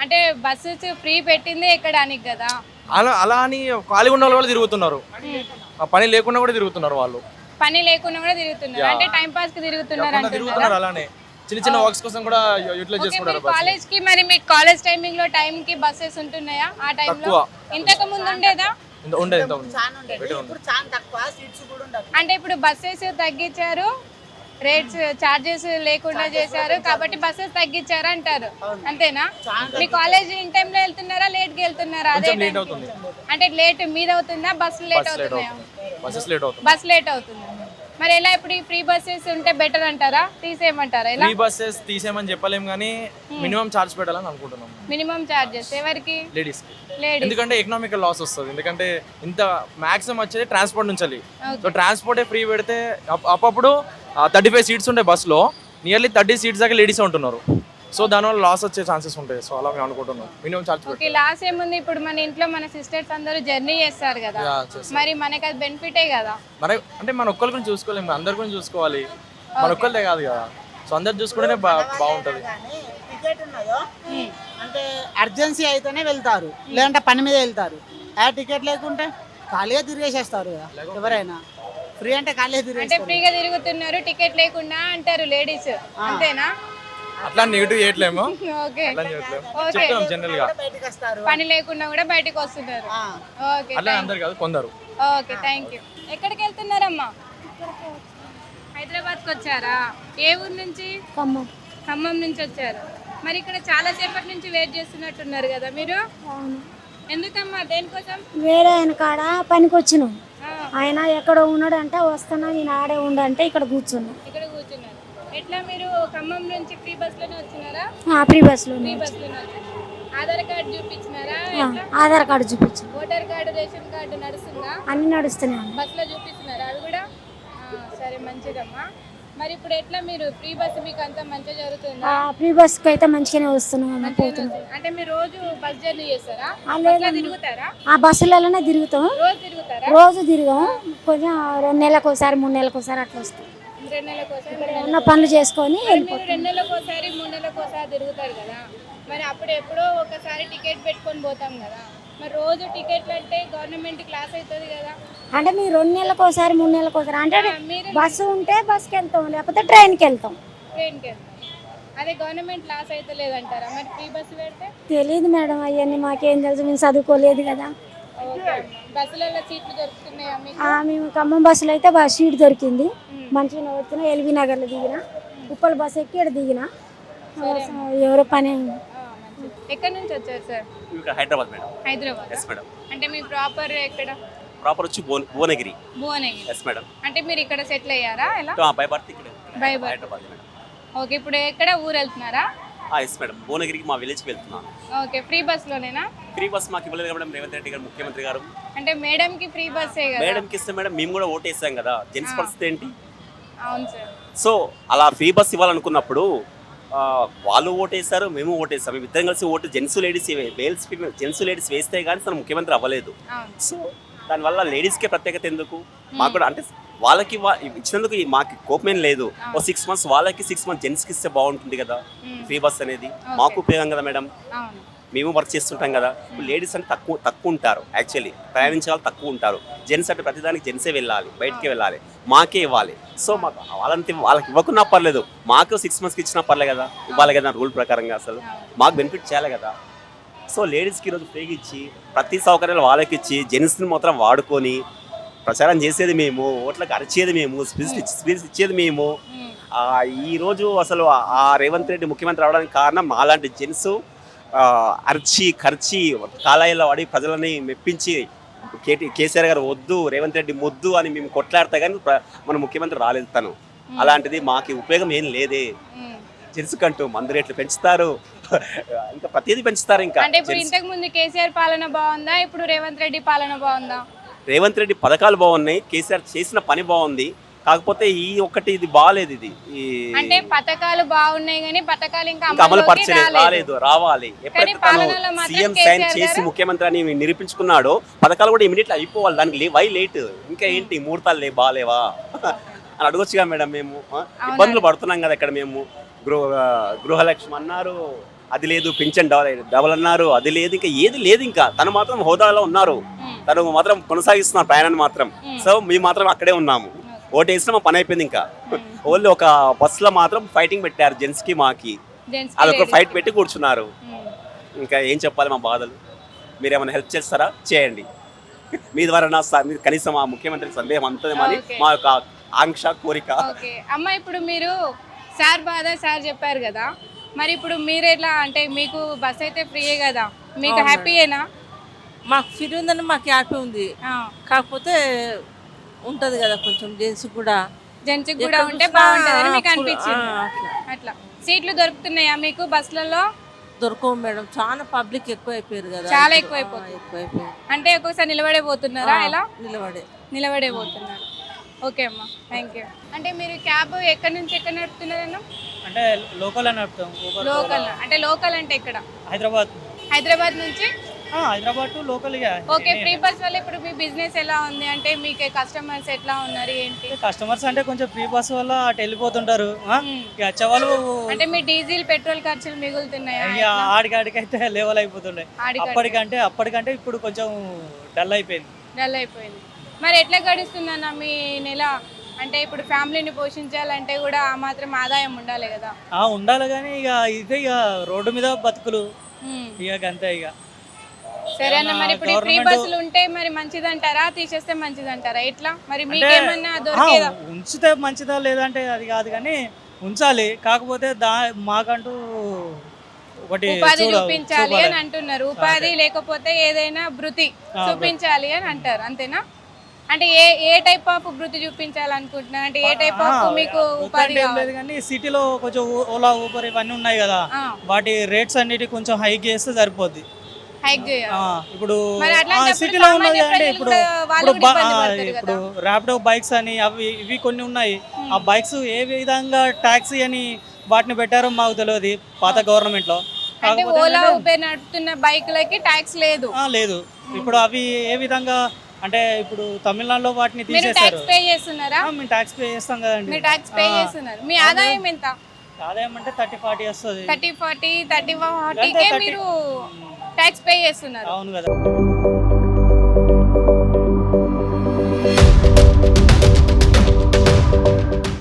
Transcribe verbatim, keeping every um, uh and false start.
అంటే buses free పెట్టిందే ఎక్కడానికి కదా. అలా అలా అని ఖాళీ ఉన్న వాళ్ళు కూడా తిరుగుతున్నారు, ఆ పని లేకుండా కూడా తిరుగుతున్నారు వాళ్ళు. పని లేకుండా కూడా తిరుగుతున్నారు, అంటే టైం పాస్ కి తిరుగుతున్నారు అంటున్నారు. తిరుగుతున్నారు అలానే చిన్న చిన్న వర్క్స్ కోసం కూడా యూటిలైజ్ చేసుకుంటారు. కాలేజ్ కి మరి మీకు కాలేజ్ టైమింగ్ లో టైం కి బస్సెస్ ఉంటున్నాయా ఆ టైంలో? ఇంతకు ముందు ఉండేదా? ఉండేది. అంటే ఇప్పుడు బస్సెస్ తగ్గించారు, రేట్స్ చార్జెస్ లేకుండా చేశారు కాబట్టి బస్సెస్ తగ్గించారు అంటారు, అంతేనా? మీ కాలేజ్ ఇన్ టైం లో వెళ్తున్నారా, లేట్ కి వెళ్తున్నారా? అదే అంటే లేట్ మీద అవుతుందా, బస్ లేట్ అవుతున్నాయా? బస్ లేట్ అవుతుంది. మరి ఎలా ఇప్పుడు ఈ ఫ్రీ బస్సెస్ ఉంటే బెటర్ అంటారా, తీసేయమంటారా? ఎలా? ఫ్రీ బస్సెస్ తీసేయమని చెప్పలేం కానీ మినిమం చార్జ్ పెట్టాలని అనుకుంటున్నాం. మినిమం చార్జెస్ ఎవరికి? లేడీస్ కి. ఎందుకంటే ఎకనామికల్ లాస్ వస్తుంది, ఎందుకంటే ఇంత మాక్సిమం వచ్చేది ట్రాన్స్పోర్ట్ నుంచి. సో ట్రాన్స్పోర్టే ఫ్రీ పెడితే అప్పుడు థర్టీ ఫైవ్ సీట్స్ ఉంటాయి బస్సులో, నియర్లీ థర్టీ సీట్స్ దాకా లేడీస్ ఉంటున్నారు. సో దానివల్ల లాస్ వచ్చే ఛాన్సెస్ ఉంటాయి. సో అలా మేము అనుకుంటున్నాం మినిమం చార్జ్. ఓకే, లాస్ ఏముంది, ఇప్పుడు మన ఇంట్లో మన సిస్టర్స్ అందరూ జర్నీ చేస్తారు కదా, మరి మనకి అది బెనిఫిటే కదా. మన అంటే మన ఒక్కరి గురించి చూసుకోలేము, అందరి గురించి చూసుకోవాలి, మన ఒక్కరిదే కాదు కదా. సో అందరు చూసుకుంటేనే బాగుంటుంది. టికెట్ ఉన్నదో అంటే అర్జెన్సీ అయితేనే వెళ్తారు, లేదంటే పని మీద వెళ్తారు. ఆ టికెట్ లేకుంటే ఖాళీగా తిరిగేసేస్తారు కదా ఎవరైనా. ఫ్రీ అంటే ఖాళీగా తిరిగి అంటే ఫ్రీగా తిరుగుతున్నారు టికెట్ లేకుండా అంటారు లేడీస్, అంతేనా? అట్లా నెగిటివ్ చేయట్లేము, ఓకే చెప్తాం జనరల్ గా. పని లేకుండా కూడా బయటకు వస్తున్నారు. ఓకే, అట్లా అందరు కాదు, కొందరు. Okay, thank you. ఎక్కడికి వెళ్తున్నారమ్మా? హైదరాబాద్కి వచ్చారా? ఏ ఊరు నుంచి? ఖమ్మం. ఖమ్మం నుంచి వచ్చారు. మరి ఇక్కడ చాలా సేపటి నుంచి వెయిట్ చేస్తున్నట్టున్నారు కదా మీరు? ఎందుకమ్మా, దేనికోసం? వేరే ఆయన కాడ పనికి వచ్చినాం, ఆయన ఎక్కడ ఉన్నాడు అంటే వస్తున్నా నేను ఆడే ఉండంటే ఇక్కడ కూర్చున్నా. ఇక్కడ కూర్చున్నారు. ఎట్లా మీరు ఖమ్మం నుంచి ఫ్రీ బస్ లోనే వచ్చినారా? ఫ్రీ బస్ లో. ఫ్రీ బస్ లోనే వచ్చారు. ఆధార్ కార్డు చూపించినారా? ఆధార్ కార్డు చూపించు. ఓటర్ కార్డు, రేషన్ కార్డు నడుస్తుందా? అన్ని నడుస్తున్నాయి. బస్ లో చూపిస్తున్నారా అది కూడా? సరే, మంచిదమ్మా. మరి ఇప్పుడు ఎట్లా మీరు ఫ్రీ బస్ మీకు అంతా మంచిగా జరుగుతుందా? ఫ్రీ బస్ కి అయితే మంచిగానే వస్తున్నాం. అంటే మీరు రోజు బస్ జర్నీ చేస్తారా? తిరుగుతారా? ఆ బస్సులలోనే తిరుగుతాం. రోజు తిరుగుతారా? రోజు తిరిగాం, కొంచెం రెండు నెలలకు ఒకసారి మూడు నెలలకు ఒకసారి అట్లా వస్తాం. రెండు నెలలకు ఒకసారి ఉన్న పనులు చేసుకొని మీరు రెండు నెలలకు ఒకసారి మూడు నెలలకు ఒకసారి తిరుగుతారు కదా, మరి అప్పుడు ఎప్పుడో ఒకసారి టికెట్ పెట్టుకొని పోతాం కదా, మరి రోజు టికెట్లు అంటే గవర్నమెంట్ క్లాస్ అవుతుంది కదా. అంటే మీరు రెండు నెలలకు ఒకసారి మూడు నెలలకు ఒకసారి అంటే బస్సు ఉంటే బస్కి వెళ్తాం, లేకపోతే ట్రైన్కి వెళ్తాం. ట్రైన్కి వెళ్తాం. అదే గవర్నమెంట్ క్లాస్ అయితే లేదంటారా మరి ఫ్రీ బస్సు పెడితే? తెలియదు మేడం, అవన్నీ మాకేం తెలుసు, మేము చదువుకోలేదు కదా. బస్సులలో సీట్లు దొరుకుతున్నాయా మీకు? మేము ఖమ్మం బస్సులో అయితే బస్ సీట్ దొరికింది, మంచిగా వచ్చిన. ఎల్బీ నగర్లో దిగిన, ఉప్పల్ బస్ ఎక్కి ఇక్కడ దిగిన. ఎవరో పని. ఎక్కడి నుంచి వచ్చారు sir? Hyderabad madam. Hyderabad. Yes madam. అంటే మీ ప్రాపర్ ఎక్కడ? ప్రాపర్ వచ్చి భువనగిరి. భువనగిరి. Yes madam. అంటే మీరు ఇక్కడ సెటిల్ అయ్యారా ఎలా? బై బర్త్ ఇక్కడ by birth Hyderabad madam. Okay, ఇప్పుడు ఎక్కడ ఊరు వెళ్తున్నారా? ఎస్ మేడం, భువనగిరికి మా విలేజ్కి వెళ్తున్నాను. ఓకే, ఫ్రీ బస్ లోనేనా? ఫ్రీ బస్ మాకు ఇవ్వలేదు మేడం రేవంత్ రెడ్డి గారు, ముఖ్యమంత్రి గారు. అంటే మేడం కి ఫ్రీ బస్సే కదా? మేడం కి ఇస్తే మేడం మేము కూడా ఓటు వేసాం కదా, జెంట్స్ పరిస్థితి ఏంటి? అవును సార్. సో అలా ఫ్రీ బస్ ఇవ్వాలనుకున్నప్పుడు వాళ్ళు ఓటేస్తారు, మేము ఓటేస్తాం, మేము ఇద్దరం కలిసి ఓటు gents ladies males gents ladies వేస్తే కానీ తను ముఖ్యమంత్రి అవ్వలేదు. సో దానివల్ల లేడీస్కే ప్రత్యేకత ఎందుకు? మాకు కూడా అంటే వాళ్ళకి ఇచ్చినందుకు మాకు కోపమేం లేదు. ఓ సిక్స్ మంత్స్ వాళ్ళకి సిక్స్ మంత్స్ జెంట్స్కి ఇస్తే బాగుంటుంది కదా ఫ్రీ బస్ అనేది, మాకు ఉపయోగం కదా మేడం. మేము వర్క్ చేస్తుంటాం కదా. ఇప్పుడు లేడీస్ అంటే తక్కువ తక్కువ ఉంటారు, యాక్చువల్లీ ప్రయాణించే వాళ్ళు తక్కువ ఉంటారు. జెంట్స్ అంటే ప్రతిదానికి జెంట్సే వెళ్ళాలి, బయటికి వెళ్ళాలి, మాకే ఇవ్వాలి. సో మాకు వాళ్ళంతా వాళ్ళకి ఇవ్వకున్నా పర్లేదు, మాకు సిక్స్ మంత్స్కి ఇచ్చినా పర్లేదు కదా, ఇవ్వాలి కదా రూల్ ప్రకారంగా. అసలు మాకు బెనిఫిట్ చేయాలి కదా. సో లేడీస్కి ఈరోజు ఫ్రీగా ఇచ్చి ప్రతి సౌకర్యాలు వాళ్ళకి ఇచ్చి జెంట్స్ని మాత్రం వాడుకొని ప్రచారం చేసేది మేము, ఓట్లకు అరిచేది మేము, స్పీచ్ స్పీచ్ ఇచ్చేది మేము. ఈరోజు అసలు ఆ రేవంత్ రెడ్డి ముఖ్యమంత్రి అవడానికి కారణం మాలాంటి జెంట్స్ అర్చి ఖర్చి కాలాయిలో వాడి ప్రజలని మెప్పించి కేటీ కేసీఆర్ గారు వద్దు రేవంత్ రెడ్డి మొద్దు అని మేము కొట్లాడతా కానీ మన ముఖ్యమంత్రి రాలేదు తను. అలాంటిది మాకు ఉపయోగం ఏం లేదే. జెంట్స్ కంటూ మందు రేట్లు పెంచుతారు, ఇంకా ప్రతిదీ పెంచుతారు. ఇంకా అంటే ఇప్పుడు ఇంతకు ముందు కేసీఆర్ పాలన బాగుందా, ఇప్పుడు రేవంత్ రెడ్డి పాలన బాగుందా? రేవంత్ రెడ్డి పథకాలు బాగున్నాయి, కేసీఆర్ చేసిన పని బాగుంది, కాకపోతే ఈ ఒక్కటి ఇది బాగాలేదు. ఇది అంటే పథకాలు బాగున్నాయి కానీ పథకాలు ఇంకా అమలు పరచలేదు, రాలేదు, రావాలి. ఎప్పుడైతే తను సీఎం సైన్ చేసి ముఖ్యమంత్రి అని నిరూపించుకున్నాడో పథకాలు కూడా ఇమీడియట్లీ అయిపోవాలి. దానికి వై లేట్? ఇంకా ఏంటి ముహూర్తాలు లే బాగాలేవా అని అడగొచ్చుగా మేడం. మేము ఇబ్బందులు పడుతున్నాం కదా ఇక్కడ. మేము గృహ గృహలక్ష్మి అన్నారు, అది లేదు, పింఛన్ డబల్ డబల్ అన్నారు, అది లేదు, ఇంకా ఏది లేదు. ఇంకా తను మాత్రం హోదాలో ఉన్నారు, తను మాత్రం కొనసాగిస్తున్నారు ప్రయాణాన్ని మాత్రం. సో మేము మాత్రం అక్కడే ఉన్నాము, ఓటు వేసినా మా పని అయిపోయింది. ఇంకా ఓన్లీ ఒక బస్సులో మాత్రం ఫైటింగ్ పెట్టారు, జెంట్స్ కి మాకి Gents కి అదొక ladies ఫైట్ కి. పెట్టి కూర్చున్నారు. ఉమ్. ఇంకా ఏం చెప్పాలి మా బాధలు? మీరు ఏమైనా హెల్ప్ చేస్తారా? చేయండి. మీ ద్వారా నా స- మీరు కనీసం ఆ ముఖ్యమంత్రికి సందేహం అంతదేమని Okay. మా యొక్క ఆంక్ష, కోరిక. ఓకే అమ్మ, ఇప్పుడు మీరు సార్ బాధ సార్ చెప్పారు కదా, మరి ఇప్పుడు మీరు ఎట్లా అంటే మీకు బస్ అయితే ఫ్రీయే కదా, మీకు అవునండి. హ్యాపీయేనా? మాకు ఫ్రీ ఉందని మాకు హ్యాపీ ఉంది. కాకపోతే ఉంటది కదా కొంచెం జెంట్స్ కూడా జెంట్స్ కూడా ఎక్కడ ఉంటే చూసినా బాగుంటుందని మీకు full- అనిపించింది. ఆ, అట్లా. అట్లా సీట్లు దొరుకుతున్నాయా మీకు బస్సులలో? దొరకవు మేడం, చాలా పబ్లిక్ ఎక్కువ అయిపోయారు కదా. చాలా ఇప్పుడు. ఎక్కువైపోతుంది. ఆ, ఎక్కువైపోయారు. అంటే ఒక్కొక్కసారి నిలబడే పోతున్నారా? ఆ, ఎలా నిలబడే నిలబడే పోతున్నారు? ఓకే అమ్మా, థ్యాంక్ యూ. అంటే మీరు క్యాబ్ ఎక్కడి నుంచి ఎక్కడ నడుపుతున్నారన్నా? అంటే లోకల్ అని నడుపుతాం. ఊబర్ లోకల్ అంటే లోకల్ అంటే ఎక్కడ? హైదరాబాద్ హైదరాబాద్ నుంచి. ఆ, హైదరాబాద్ టు లోకల్. ఇక ఓకే, ఫ్రీ బస్ వల్ల ఇప్పుడు మీ బిజినెస్ ఎలా ఉంది? అంటే మీకు కస్టమర్స్ ఎట్లా ఉన్నారు ఏంటి? కస్టమర్స్ అంటే కొంచెం ఫ్రీ బస్ వల్ల అటు వెళ్ళిపోతుంటారు. ఆ, మ్మ్. ఇక వచ్చేవాళ్ళు అంటే మీ డీజిల్ పెట్రోల్ ఖర్చులు మిగులుతున్నాయా? ఇక ఆడికి ఆడికైతే లెవెల్ అయిపోతుండే. ఆడికి అప్పటికంటే అప్పటికంటే ఇప్పుడు కొంచెం డల్ అయిపోయింది. డల్ అయిపోయింది. మరి ఎట్లా గడుస్తుందన్న మీ నెల? అంటే ఇప్పుడు ఫ్యామిలీని పోషించాలంటే కూడా ఆ మాత్రం ఆదాయం ఉండాలి కదా. ఆ ఉండాలి కానీ ఇక ఇదే ఇక రోడ్డు మీద బతుకులు మ్మ్. ఇక అంతే. ఇక సరే అన్న, మరి ఇప్పుడు ఫ్రీ గవర్నమెంట్ బస్సులు ఉంటే మరి మంచిదంటారా, తీసేస్తే మంచిదంటారా? ఎట్లా మరి అంటే మీకేమన్నా ఆ, దొరికేదా? ఉంచితే మంచిదా లేదంటే అది కాదు కానీ ఉంచాలి. కాకపోతే దా మాకంటూ ఒకటి ఉపాధి చూడ- చూపించాలి చూపాలి. అని అంటున్నారు. ఉపాధి లేకపోతే ఏదైనా వృత్తి ఆ, చూపించాలి అని అంటారు, అంతేనా? అంటే ఏ ఏ టైప్ ఆఫ్ వృత్తి చూపించాలనుకుంటున్నారు? అంటే ఏ టైప్ ఆఫ్ ఆ, మీకు వృత్తి ఉపాధి అంటే ఏం కావాలి? లేదు కానీ సిటీలో కొంచెం ఓ- ఓలా ఊబర్ ఇవన్నీ ఉన్నాయి కదా, ఆ, వాటి రేట్స్ అన్నిటి కొంచెం హైక్ చేస్తే సరిపోద్ది. హైక్ చేయాలి. ఆ, ఇప్పుడు మరి ఆ, అట్లాంటప్పుడు సిటీలో ఉన్నది సామాన్య అంటే ప్రజలు ఇప్పుడు కూడా వాళ్ళు ఇప్పుడు కూడా బా- ఇబ్బంది ఆ, పడతారు ఇప్పుడు కదా. ర్యాపిడో బైక్స్ అని అవి ఇవి కొన్ని ఉన్నాయి. ఆ బైక్స్ ఏ విధంగా ట్యాక్సీ అని వాటిని పెట్టారో మాకు తెలియదు పాత గవర్నమెంట్ లో. అంటే కాకపోతే ఓలా ఏంటంటే- ఉబేర్ నడుపుతున్న బైక్లకి ట్యాక్స్ లేదు. ఆ, లేదు. ఇప్పుడు అవి ఏ విధంగా అంటే ఇప్పుడు తమిళనాడులో వాటిని మీరు తీసేశారు. ట్యాక్స్ పే చేస్తున్నారా? ఆ, మేము ట్యాక్స్ పే చేస్తాం కదండి. మీరు ట్యాక్స్ పే ఆ. చేస్తున్నారు. మీ ఆదాయం ఎంత? ఆదాయం అంటే థర్టీ ఫార్టీ వస్తుంది. థర్టీ ఫార్టీ థర్టీ అంటే ఫార్టీకే thirty- మీరు ట్యాక్స్ పే చేస్తున్నారు. అవును కదా.